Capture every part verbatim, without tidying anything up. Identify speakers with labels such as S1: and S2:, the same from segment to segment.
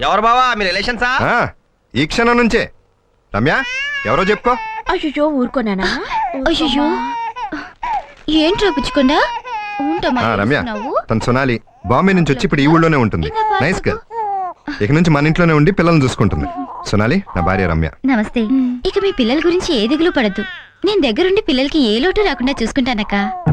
S1: ఎవరు బావా మీ రిలేషన్సా?
S2: ఈ క్షణం నుంచే. రమ్య ఎవరో చెప్పుకో.
S3: అయ్యో ఊరుకోనానా?
S4: అయ్యో ఏంట్రా పుచ్చుకుండా
S2: రమ్య తను సొనాలి. బాంబే నుంచి వచ్చి ఇప్పుడు ఈ ఊళ్ళోనే ఉంటుంది. Nice girl. ఇక నుంచి మన ఇంట్లోనే ఉండి పిల్లల్ని చూసుకుంటుంది. సొనాలి నా భార్య రమ్య.
S4: నమస్తే. ఇక మీ పిల్లల గురించి ఏ దిగులు పడద్దు. నేను దగ్గరుండి పిల్లలకి ఏ లోటు రాకుండా చూసుకుంటానక్క.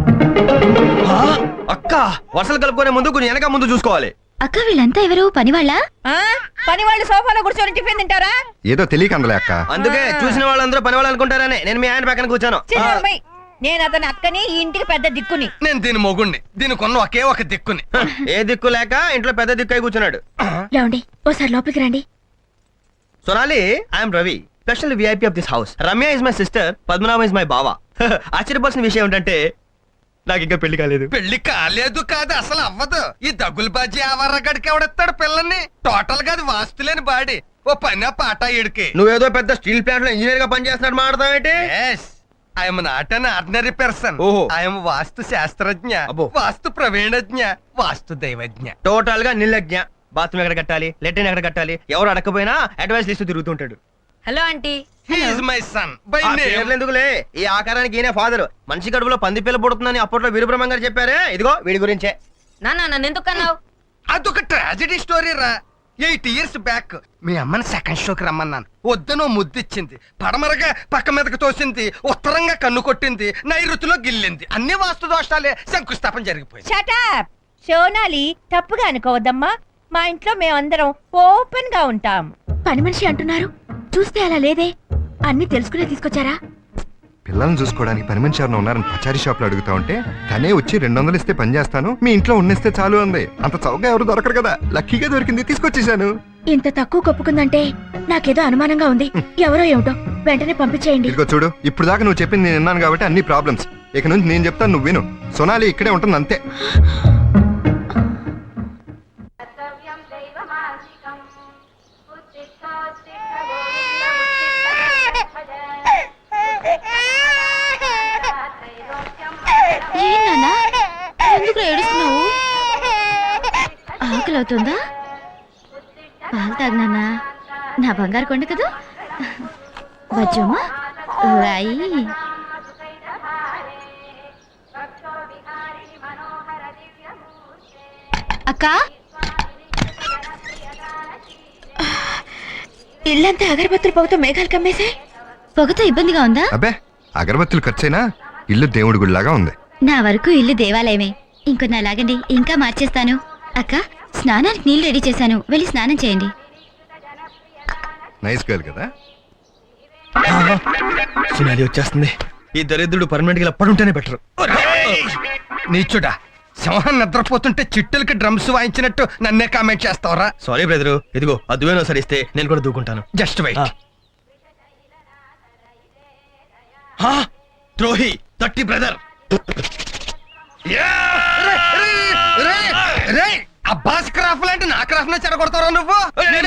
S1: అక్క వర్షాలు కలుపుకునే ముందు కొంచెం వెనక ముందు చూసుకోవాలి.
S4: అక్క వీళ్ళంతా ఎవరు పనివాళ్ళ?
S3: పని వాళ్ళు సోఫాలో కూర్చొని టిఫిన్ తింటారా?
S2: ఏదో తెలియక అందలే అక్క.
S1: అందుకే చూసిన వాళ్ళందరూ పని వాళ్ళు అనుకుంటారని నేను మీ ఆయన పక్కన కూర్చాను.
S3: నేను అతని అక్కని ఈ ఇంటికి పెద్ద దిక్కుని.
S5: నేను దీని మొగుణ్ణి. దీనికి ఉన్న ఒకే ఒక దిక్కుని.
S1: ఏ దిక్కు లేక ఇంట్లో పెద్ద దిక్కు అయి కూర్చున్నాడు.
S3: లేవండి ఓసారి లోపలికి రండి.
S1: Sonali I'm Ravi, special VIP of this house. Ramya is my sister, Padmanabha is my బావా. ఆశ్చర్యపోవాల్సిన విషయం ఏంటంటే నాకు ఇంకా పెళ్లి కాలేదు.
S5: పెళ్లి కాలేదు కాదు అసలు అవ్వదు. ఈ దగ్గులు బాజీ ఆవర్రగడికి ఎవడెత్తాడు పిల్లల్ని? టోటల్ గా అది వాస్తులేని బాడీ. ఓ పని పాట ఇడికి.
S1: నువ్వేదో పెద్ద స్టీల్ ప్లాంట్ లో ఇంజనీర్ గా పనిచేస్తున్నాడు మాట్లాడతావేంటి?
S5: I'm not an ordinary person.
S1: ఓహో.
S5: ఐఎమ్ వాస్తు శాస్త్రజ్ఞ,
S1: అబ్బో.
S5: వాస్తు ప్రవీణజ్ఞ, వాస్తు దైవజ్ఞ.
S1: టోటల్ గా నిర్లజ్ఞ. బాత్రూమ్ ఎక్కడ కట్టాలి, లెట్రిన్ ఎక్కడ కట్టాలి, ఎవరు అడకపోయినా అడ్వైస్ లిస్ట్ తిరుగుతుంటాడు.
S3: Hello aunty.
S5: He is my son by
S1: ఆ
S5: name.
S1: పేర్లు ఎందుకులే, ఈ ఆకారానికి ఈయన ఫాదర్. మనిషి కడుపులో పంది పిల్ల పుడుతుందని అప్పట్లో వీరబ్రహ్మం గారు చెప్పారే, ఇదిగో వీడి గురించే.
S3: నాన్న నన్ను ఎందుకు అన్నావు?
S5: అదొక ట్రాజెడీ స్టోరీ రా. ఎయిట్ ఇయర్స్ బ్యాక్ మీ అమ్మని సెకండ్ షోకి రమ్మన్నాను. వద్దనో ముద్దిచ్చింది, పడమరగా పక్క మీదకి తోసింది, ఉత్తరంగా కన్ను కొట్టింది, నైరుతిలో గిల్లింది. అన్ని వాస్తు దోషాలే. శంకుస్థాపన జరిగిపోయింది.
S3: షటప్ సోనాలి, తప్పుగా అనుకోవద్దమ్మా. మా ఇంట్లో మేమందరం ఓపెన్ గా ఉంటాం. పని మనిషి అంటున్నారు, చూస్తే అలా లేదే. అన్ని తెలుసుకునే తీసుకొచ్చారా?
S2: పిల్లల్ని చూసుకోవడానికి పని మనిషి ఎవరైనా ఉన్నారని పచారీ షాప్ లో అడుగుతా ఉంటే తనే వచ్చి రెండు వందలు ఇస్తే పని చేస్తాను, మీ ఇంట్లో ఉన్నిస్తే చాలు అంది. అంత చౌకగా ఎవరు దొరకరు కదా, లక్కీగా దొరికింది, తీసుకొచ్చేసాను.
S3: ఇంత తక్కువ కప్పుకుందంటే నాకేదో అనుమానంగా ఉంది. ఎవరో ఏమిటో, వెంటనే పంపించేయండి.
S2: ఇదిగో చూడు, ఇప్పుడు దాకా నువ్వు చెప్పింది నేను విన్నాను కాబట్టి అన్ని ప్రాబ్లమ్స్. ఇక నుంచి నేను చెప్తాను, నువ్వు విను. సొనాలి ఇక్కడే ఉంటుంది అంతే.
S4: ఎందుకు ఏడుస్తున్నావు? ఆకలి అవుతుందా? పాలు తాగినానా? నా బంగారు కొండ కదా. బజ్జమ్మా రాయి. అక్క
S3: ఇల్లంతా అగరబత్తులు పొగతో మేఘాలు కమ్మేసే.
S4: పొగతో ఇబ్బందిగా ఉందా?
S2: అబ్బే అగరబత్తులు ఖర్చైనా ఇల్లు దేవుడి గుడిలాగా ఉంది.
S4: నా వరకు ఇల్లు దేవాలయమే. ఇంకొన్ని అలాగండి, ఇంకా మార్చేస్తాను. అక్క స్నానానికి నీళ్ళు రెడీ చేశాను, వెళ్ళి స్నానం చేయండి.
S2: నైస్ గర్ల్ కదా.
S1: సునాలి వచ్చేస్తుంది. ఈ దరిద్రుడు పర్మనెంట్ గా పడుంటేనే బెటర్.
S5: నీచుడా, సింహం నిద్రపోతుంటే చిట్టులకి డ్రమ్స్ వాయించినట్టు నన్నే కామెంట్ చేస్తావరా?
S1: సారీ బ్రదరు, ఇదిగో అదువేనో సరిస్తే నేను కూడా దూకుంటాను.
S5: Just wait.
S1: ద్రోహి తట్టి బ్రదర్.
S5: అబ్బాస్ క్రాఫ్ లాంటి నా క్రాఫ్ నే చెడగొడతారా నువ్వు?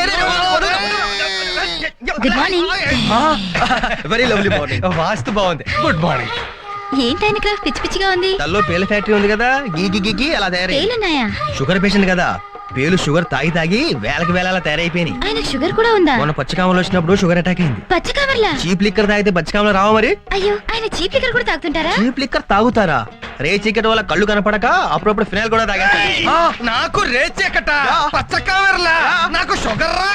S4: Good morning.
S1: Very lovely morning.
S5: వాస్తు బాగుంది. Good morning.
S4: ఏంటైన క్రాఫ్ పిచ్చి పిచ్చిగా ఉంది?
S1: తల్లో పేల ఫ్యాక్టరీ ఉంది కదా, గీ గీ గీ అలా తయారై.
S4: పేలున్నాయా?
S1: షుగర్ పేషెంట్ కదా, పేలు షుగర్ తాగి తాగి వేలకి వేల తయారైపోయినాయి.
S4: ఆయన షుగర్ కూడా ఉందా?
S1: మొన్న పచ్చకామలు వచ్చినప్పుడు షుగర్ అటాక్ అయింది.
S4: పచ్చకామర్లా?
S1: చీప్ లిక్కర్ తాగితే పచ్చకామలు రావా మరి?
S4: అయ్యో, ఆయన చీప్ లిక్కర్ కూడా తాగుతుంటారా?
S1: చీప్ లిక్కర్ తాగుతారా? రే చీకటి వల్ల కళ్ళు కనపడక అప్పుడప్పుడు ఫినాయిల్ కూడా తాగేస్తారు.
S5: నాకు రేచెకట పచ్చ కామెర్లా, నాకు షుగర్ రా.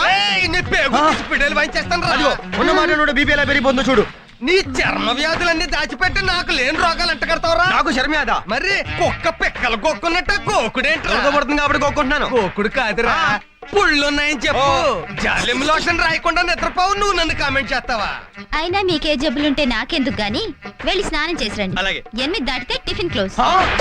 S1: ఉన్న మాట బీపీ ఎలా పెరిగిపోతుందో చూడు.
S5: నీ చర్మ వ్యాధులన్నీ దాచిపెట్టి నాకు లేని రోగాలు అంట కడతావరా?
S1: నాకు శర్మేద.
S5: మరి కుక్క పిక్కలు గోక్కున్నట్టు గోకుడేంటి?
S1: పడుతుంది కాబట్టి గోక్కుంటున్నాను.
S5: గోకుడు కాదురా, పుళ్ళున్నాయని చెప్పు. జాలిం లోషన్ రాయకుండా నిద్రపోవు, నువ్వు నన్ను కామెంట్ చేస్తావా?
S4: అయినా మీకే జబ్బులుంటే నాకెందుకు గాని, వెళ్ళి స్నానం చేసి రండి.
S1: అలాగే.
S4: ఎనిమిది దాటితే టిఫిన్ క్లోజ్.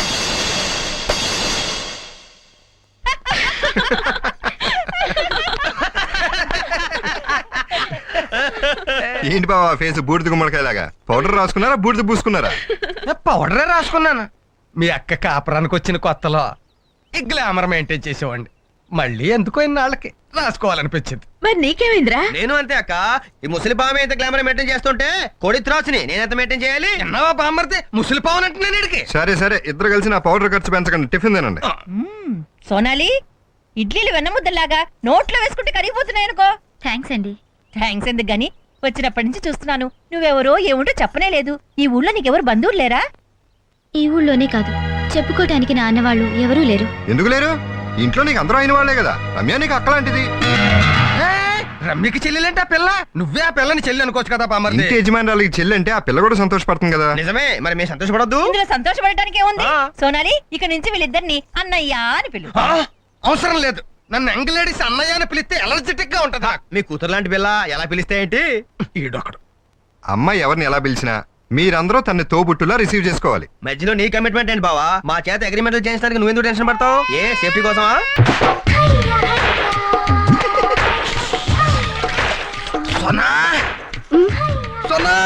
S2: ఏంటి బాబా ఫేస్ బూడిద గుమ్మడికాయలాగా? పౌడర్ రాసుకున్నారా, బూడిద పూసుకున్నారా?
S5: పౌడరే రాసుకున్నాను. మీ అక్క కాపురానికి వచ్చిన కొత్తలో ఈ గ్లామర్ మెయింటైన్ చేసేవాడిని. మళ్ళీ ఎందుకో ఇన్నాళ్ళకి రాసుకోవాలనిపించింది.
S3: మరి నీకేమైందిరా?
S1: నేను అంతే అక్క. ఈ ముసలి పాము ఎంత గ్లామర్ మెయింటైన్ చేస్తుంటే కోడి త్రాసుని నేనెంత మెయింటైన్ చేయాలి?
S5: ఎన్నవా బామ్మర్ది ముసలి పావును అంటున్నాను.
S2: సరే సరే, ఇద్దరు కలిసి నా పౌడర్ ఖర్చు పెంచకండి, టిఫిన్ తినండి.
S3: సోనాలి, ఇడ్లీలు వెన్నముద్దలాగా నోట్లో వేసుకుంటే కరిగిపోతున్నాయి అనుకో.
S4: థ్యాంక్స్ అండి.
S3: థ్యాంక్స్ ఎందుకు గాని, వచ్చినప్పటి నుంచి చూస్తున్నాను నువ్వెవరో ఏముంటో చెప్పనే లేదు. ఈ ఊళ్ళో నీకెవరు బంధువులు లేరా?
S4: ఈ ఊళ్ళోనే కాదు, చెప్పుకోవటానికి నా అన్నవాళ్ళు ఎవరూ లేరు.
S2: ఎందుకు లేరు? ఇంట్లో నీకు అందరూ అయిన వాళ్ళే కదా. రమ్య నీకు అక్కలాంటిది.
S5: ఏయ్, రమ్యకి చెల్లెలంటే ఆ పిల్ల, నువ్వే ఆ పిల్లని చెల్లి అనుకోవచ్చు కదా బామ్మర్ది.
S2: ఇంటి యజమానురాలకి చెల్లి అంటే ఆ పిల్ల కూడా సంతోషపడుతుంది కదా.
S1: నిజమే, మరి మేము సంతోషపడద్దు?
S3: ఇందులో సంతోషపడటానికి ఏముంది?
S1: ఆ.
S3: సోనాలి, ఇక నుంచి వీళ్ళిద్దరిని అన్నయ్య అని పిలు.
S5: ఆ, అవసరం లేదు. నన్ను ఎంగలేడీస్ అన్నయ్య అని పిలిస్తే ఎలర్జెటిక్ గా ఉంటదా?
S1: మీ కూతురు లాంటి పిల్ల ఎలా పిలిస్తే ఏంటి?
S5: ఈడొకడు.
S2: అమ్మాయి ఎవరిని ఎలా పిలిచినా మీరందరూ తన్ని తోబుట్టులా రిసీవ్ చేసుకోవాలి.
S1: మధ్యలో నీ కమిట్మెంట్ ఏంటి బావా? మా చేత అగ్రిమెంట్ చేయించడానికి నువ్వెందుకు టెన్షన్ పడతావు? ఏ సేఫ్టీ కోసమా?
S5: సోనా సోనా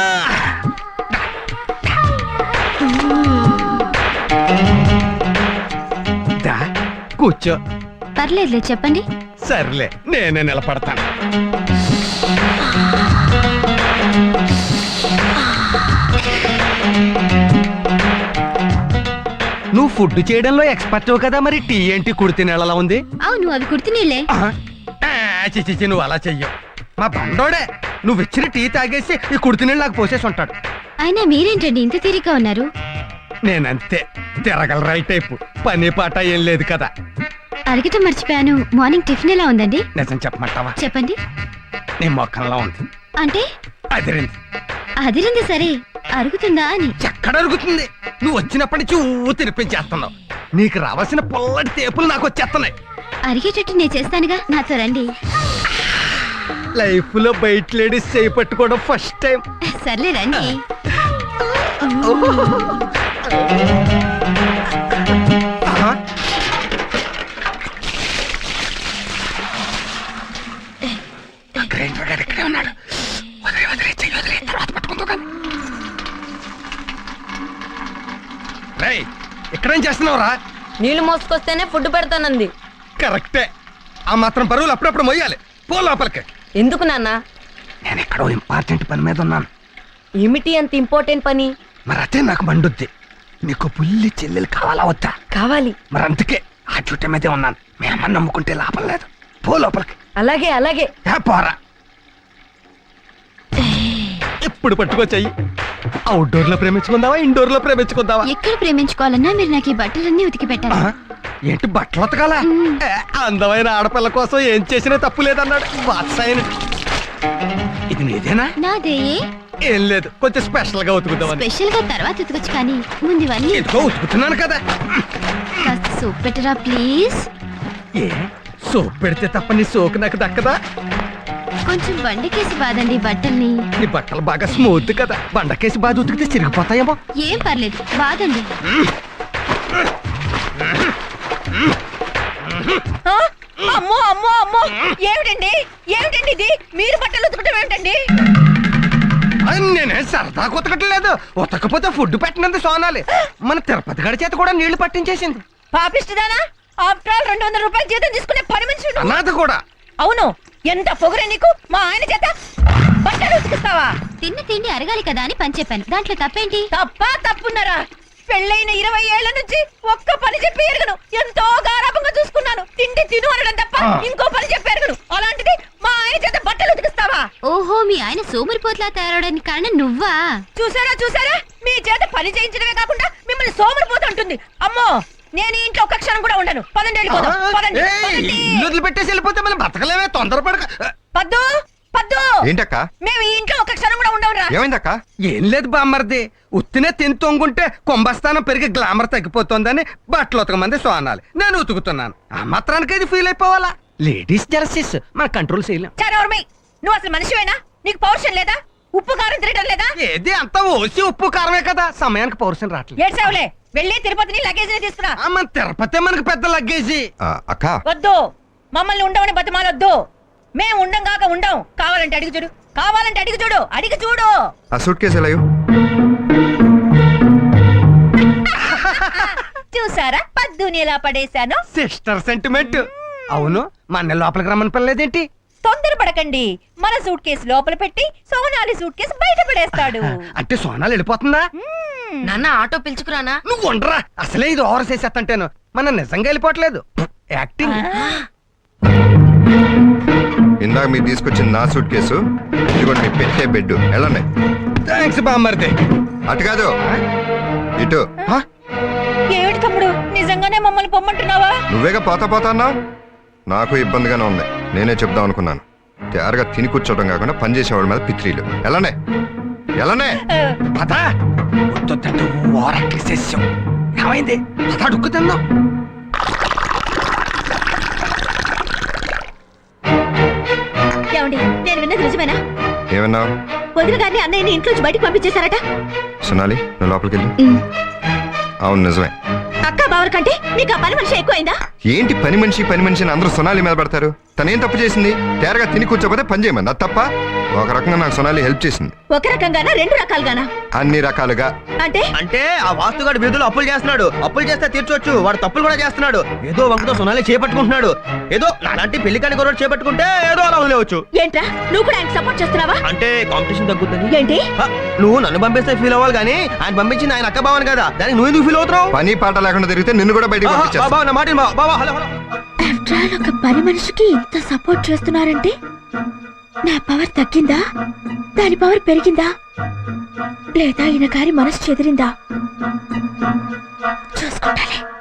S5: దా, కూర్చో.
S4: పర్లేదులే, చెప్పండి.
S5: సర్లే, నేనే నిలబడతాను. నువ్వు ఫుడ్ చేయడంలో ఎక్స్పర్ట్ కదా, మరి టీ ఏంటి కుడితి నెలలా ఉంది?
S4: అవును, అవి కుర్తి నీళ్ళే.
S5: ఆ, ఆ, చి చి, చి, నువ్వు అలా చెయ్యవు. మా బండోడే నువ్వు ఇచ్చిన టీ తాగేసి ఈ కుడితి నీళ్ళు నాకు పోసేసి ఉంటాడు.
S4: అయినా మీరేంటండి ఇంత తీరిగ్గా ఉన్నారు?
S5: నేనంతే, తిరగల రైట్ టైపు. పని పాట ఏం లేదు కదా.
S4: అడగటం మర్చిపోయాను, మార్నింగ్ టిఫిన్ ఎలా ఉందండి?
S5: నిజం చెప్పమంటావా?
S4: చెప్పండి.
S5: నీ మొక్కల్లో ఉంది.
S4: అంటే
S5: అదిరింది.
S4: అదిరింది సరే, అరుగుతుందా అని.
S5: ఎక్కడ అరుగుతుంది? నువ్వు వచ్చినప్పటి నుంచి ఊ తినిపించేస్తున్నావు. నీకు రావాల్సిన పొల్లటి తేపులు నాకు వచ్చేస్తున్నాయి.
S4: అరిగేటట్టు నేను చేస్తానుగా, నాతో రండి.
S5: లైఫ్ లో బయట లేడీస్ చేయి పట్టుకోవడం ఫస్ట్ టైం.
S4: సర్లే రండి.
S5: గ్రైండర్ గారు ఇక్కడే ఉన్నాడు. వదిలే వదిలే చెయ్యి వదిలే, తర్వాత పట్టుకుంటూ కానీ. రేయ్, ఇక్కడేం చేస్తున్నావురా?
S6: నీళ్లు మోసుకొస్తేనే ఫుడ్ పెడతానంది.
S5: కరెక్టే. ఆ మాత్రం బరువులు అప్పుడప్పుడు మొయ్యాలి. పో లోపలికి.
S6: ఎందుకు నాన్న?
S5: నేను ఎక్కడో ఇంపార్టెంట్ పని మీద ఉన్నాను.
S6: ఏమిటి అంత ఇంపార్టెంట్ పని?
S5: మరి అదే నాకు మండుద్ది. నీకు పుల్లి చెల్లెలు కావాలా వద్దా?
S6: కావాలి.
S5: మరి అందుకే ఆ చుట్ట మీదే ఉన్నాను. మీ అమ్మని నమ్ముకుంటే లాభం లేదు. పో లోపలికి.
S6: అలాగే అలాగే.
S5: ఏ పోరా. ఇప్పుడు పట్టుకొచ్చాయి. అవుట్డోర్ లో ప్రేమించుకుందావా, ఇండోర్ లో ప్రేమించుకుందావా?
S4: ఎక్కడ ప్రేమించుకోవాలన్నా మీరు నాకు ఈ బట్టలన్నీ ఉతికి పెట్టాలి.
S5: ఆ? ఏంటి బట్టలు ఉతకాలా? ఏ, అందమైన ఆడపిల్ల కోసం ఏం చేసినా తప్పు లేదన్నాడు వాత్సాయన. ఇది నీదేనా?
S4: నాదే.
S5: ఏం లేదు, కొంచెం స్పెషల్ గా ఉతుకుతామని.
S4: స్పెషల్ గా తర్వాత ఉతకొచ్చు, కానీ ముందు ఇవన్నీ.
S5: ఎందుకో ఉతుకుతున్నాను కదా.
S4: కాస్త సూప్ పెట్టరా ప్లీజ్.
S5: ఏ సోప్ పెడితే తప్ప నీ సోకు నాకు దక్కదా?
S4: కొంచెం బండకేసి బాదండి బట్టల్ని.
S5: నీ బట్టలు బాగా స్మూత్ కదా, బండకేసి బాగా ఉతికితే చిరిగిపోతాయేమో.
S4: ఏం పర్లేదు, బాదండి.
S3: ఆ? అమ్మో అమ్మో అమ్మో, ఏమిటండి ఏమిటండి ఇది? మీరు బట్టలు ఉతకటం ఏమిటండి?
S5: అది నేనే సరదా ఉతకట్లేదు. ఉతకపోతే ఫుడ్ పెట్టినందుకు సోనాలి. మన తిరుపతి గడి చేత కూడా నీళ్లు పట్టించేసింది.
S3: పాపిష్టిదానా? ఆఫ్టర్ ఆల్ రెండు వందల రూపాయలు జీతం తీసుకునే పని మనిషి నువ్వు.
S5: అనాథ కూడా.
S3: అవును, ఎంత పొగరే నీకు? మా ఆయన చేత బట్టలు ఉతికిస్తావా?
S4: తిన్న తిండి అరగాలి కదా అని పని చెప్పాను, దాంట్లో తప్పేంటి?
S3: తప్ప తప్పున్నారా? పెళ్ళైన ఇరవై ఏళ్ల నుంచి ఒక్క పని చెప్పి ఎరగను. ఎంతో గారాభంగా చూసుకున్నాను. తిండి తిను అనడం తప్ప ఇంకో పని చెప్పి ఎరగను. అలాంటిది మా ఆయన చేత బట్టలు ఉతికిస్తావా?
S4: ఓహో, మీ ఆయన సోమరిపోట్లా తయారవడానికి కారణం నువ్వా?
S3: చూసారా చూసారా, మీ చేత పని చేయించడమే కాకుండా మిమ్మల్ని సోమరిపోతూ ఉంటుంది. అమ్మో, నేను ఈ ఇంట్లో ఒక్క క్షణం కూడా ఉండను. పదండి వెళ్ళిపోదాం. పదండి,
S5: ఏయ్,
S3: పదండి.
S5: ఇల్లు వదిలిపెట్టేసి వెళ్ళిపోతే మనం బతకలేమే. తొందరపడక.
S3: పద్దు పద్దు,
S2: ఏంటక్క?
S3: మేము ఈ ఇంట్లో ఒక్క క్షణం కూడా ఉండవురా.
S2: ఏమైందక్క?
S5: ఏం లేదు బామ్మర్ది, ఉత్తినే తిని తొంగుంటే కుంభస్థానం పెరిగి గ్లామర్ తగ్గిపోతుందని బట్టలు ఉతకమంది సోనాలి. నేను ఉతుకుతున్నాను. ఆ మాత్రానికి ఇది ఫీల్ అయిపోవాలా? లేడీస్ జెలసీస్ మన కంట్రోల్ చేయలేం.
S3: చారవర్మి, నువ్వు అసలు మనిషివేనా? నీకు పౌరుషం లేదా? ఉప్పు కారం తిరగడం లేదా?
S5: ఏది అంతా ఓసి ఉప్పు కారమే కదా, సమయానికి పౌరుషం రావట్లేదు.
S3: ఏడ్చావులే, వెళ్ళి తిరుపతిని లగేజ్ తీసుకురా.
S5: ఆ, మన తిరుపతి మనకి పెద్ద లగ్గేజీ.
S2: ఆ, అక్క
S3: వద్దు, మమ్మల్ని ఉండవని బతిమాలొద్దు. మేము ఉండం కాక ఉండం. కావాలంటే అడిగి చూడు, కావాలంటే అడిగి చూడు, అడిగి చూడు.
S2: ఆ సూట్ కేసు ఎలా?
S3: చూసారా పద్దుని ఎలా పడేశాను?
S5: Sister sentiment. అవును, మన లోపలికి రమ్మని పిల్లలేదేంటి?
S3: తొందరపడకండి, మన సూట్ కేసు లోపల పెట్టి సోనాలి సూట్ కేసు బయట పడేస్తాడు.
S5: అంటే సోనాలు వెళ్ళిపోతుందా?
S3: మ్మ్.
S6: నాన్న ఆటో పిలుచుకురానా?
S5: నువ్వు ఉండరా, అసలే ఇది ఓవర్ చేసేస్తంటేను. మన నిజంగా వెళ్ళిపోవట్లేదు, యాక్టింగ్.
S2: ఇందాక మీరు తీసుకొచ్చిన నా సూట్ కేసు, ఇదిగోండి మీ పెట్టే బెడ్. వెళ్ళండి.
S5: థ్యాంక్స్ బామ్మర్ది.
S2: అటు కాదు, ఇటు.
S3: ఏమిటి తమ్ముడు నిజంగానే మమ్మల్ని పొమ్మంటున్నావా?
S2: నువ్వేగా పోతా పోతా అన్నావు. నాకు ఇబ్బందిగానే ఉంది. నేనే చెప్దాం అనుకున్నాను. తయారుగా తిని కూర్చోవడం కాకుండా పని చేసేవాడి మీద పిత్రీలు. ఎలానే ఎలానే
S5: పద వద్దంటే ఓరక్కి చేసాం. ఏమైంది? పద అడుక్కు తిందాం.
S3: ఏమండి నేను విన్నది నిజమేనా?
S2: ఏమన్నావు?
S3: వదిన గారిని అన్నయ్యని ఇంట్లోంచి బయటకు పంపించేశారట.
S2: సునాలి, నువ్వు లోపలికి వెళ్ళు. అవును నిజమే.
S3: అక్క బావర్ కంటే మీకు ఆ పని మనిషి ఎక్కువైందా?
S2: ఏంటి పని మనిషి పని మనిషి అని అందరూ సొనాలి మీద పడతారు? తనేం తప్పు చేసింది? తేరగా తిని కూర్చోపోతే పని చేయమంది. అది తప్ప? ఒక రకంగా నాకు సొనాలి హెల్ప్ చేసింది.
S3: ఒక రకంగానా రెండు రకాలుగానా?
S2: అన్ని రకాలుగా.
S3: అంటే
S1: అంటే ఆ వాస్తుగాడు వీధులు అప్పులు చేస్తున్నాడు. అప్పులు చేస్తే తీర్చొచ్చు, వాడు తప్పులు కూడా చేస్తున్నాడు. ఏదో వంకతో సొనాలి చేపట్టుకుంటున్నాడు. ఏదో అలాంటి పెళ్లి కాని గొడవ చేపట్టుకుంటే ఏదో అలా వదిలేవచ్చు.
S3: ఏంట్రా నువ్వు కూడా ఆయన సపోర్ట్ చేస్తున్నావా?
S1: అంటే కాంపిటీషన్ తగ్గుతుంది.
S3: ఏంటి?
S1: ఆ, నువ్వు నన్ను పంపిస్తే ఫీల్ అవ్వాలి కానీ ఆయన పంపించింది ఆయన అక్క బావని కదా, దానికి నువ్వు ఎందుకు ఫీల్ అవుతున్నావు?
S2: పని పాట లేకుండా తిరిగితే నిన్ను కూడా బయటకు
S1: ఆహా,
S2: పంపించేస్తా.
S1: బాబా, నా మాట విను, బాబా, బాబా, హలో హలో.
S3: ఆఫ్టర్ ఆల్ ఒక పని మనిషికి ఇంత సపోర్ట్ చేస్తున్నారంటే నా పవర్ తగ్గిందా, దాని పవర్ పెరిగిందా, లేదా ఈయన గారి మనసు చెదిరిందా చూసుకుంటాలే.